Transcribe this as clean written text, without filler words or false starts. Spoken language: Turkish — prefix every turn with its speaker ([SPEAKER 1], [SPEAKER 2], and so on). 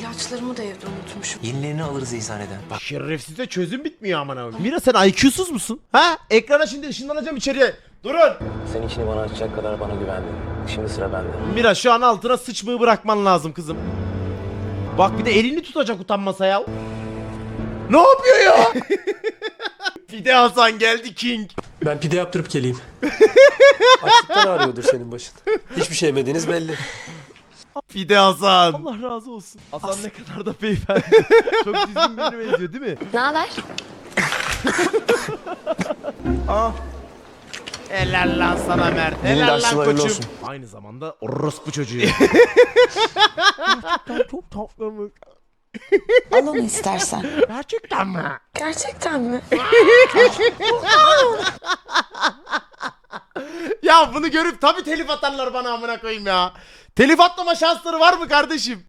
[SPEAKER 1] İlaçlarımı da evde unutmuşum.
[SPEAKER 2] Yenilerini alırız eczaneden.
[SPEAKER 3] Bak şerefsize çözüm bitmiyor aman abi. Mira sen IQ'suz musun? Ha? Ekrana şimdi ışınlanacağım içeriye. Durun.
[SPEAKER 2] Sen içini bana açacak kadar bana güvendin. Şimdi sıra bende.
[SPEAKER 3] Mira şu an altına sıçmayı bırakman lazım kızım. Bak bir de elini tutacak utanmasa ya. Ne yapıyor ya? Fide Hasan geldi King.
[SPEAKER 4] Ben pide yaptırıp geleyim. Açlıktan ağrıyordur senin başın. Hiçbir şey yemediğiniz belli.
[SPEAKER 3] Fide Hasan. Allah razı olsun. Hasan ne kadar da beyefendi. Çok düzgün birine benziyor değil mi?
[SPEAKER 1] Ne haber?
[SPEAKER 3] Helal lan sana Mert.
[SPEAKER 2] Yeni
[SPEAKER 3] Helal
[SPEAKER 2] dersler
[SPEAKER 3] lan
[SPEAKER 2] hayırlı
[SPEAKER 3] koçum.
[SPEAKER 2] olsun.
[SPEAKER 3] Aynı zamanda orospu çocuğu. Gerçekten çok tatlı.
[SPEAKER 1] Al onu istersen.
[SPEAKER 3] Gerçekten mi?
[SPEAKER 1] Gerçekten mi?
[SPEAKER 3] Ya bunu görüp tabii telif atarlar bana amına koyayım ya. Telif atlama şansları var mı kardeşim?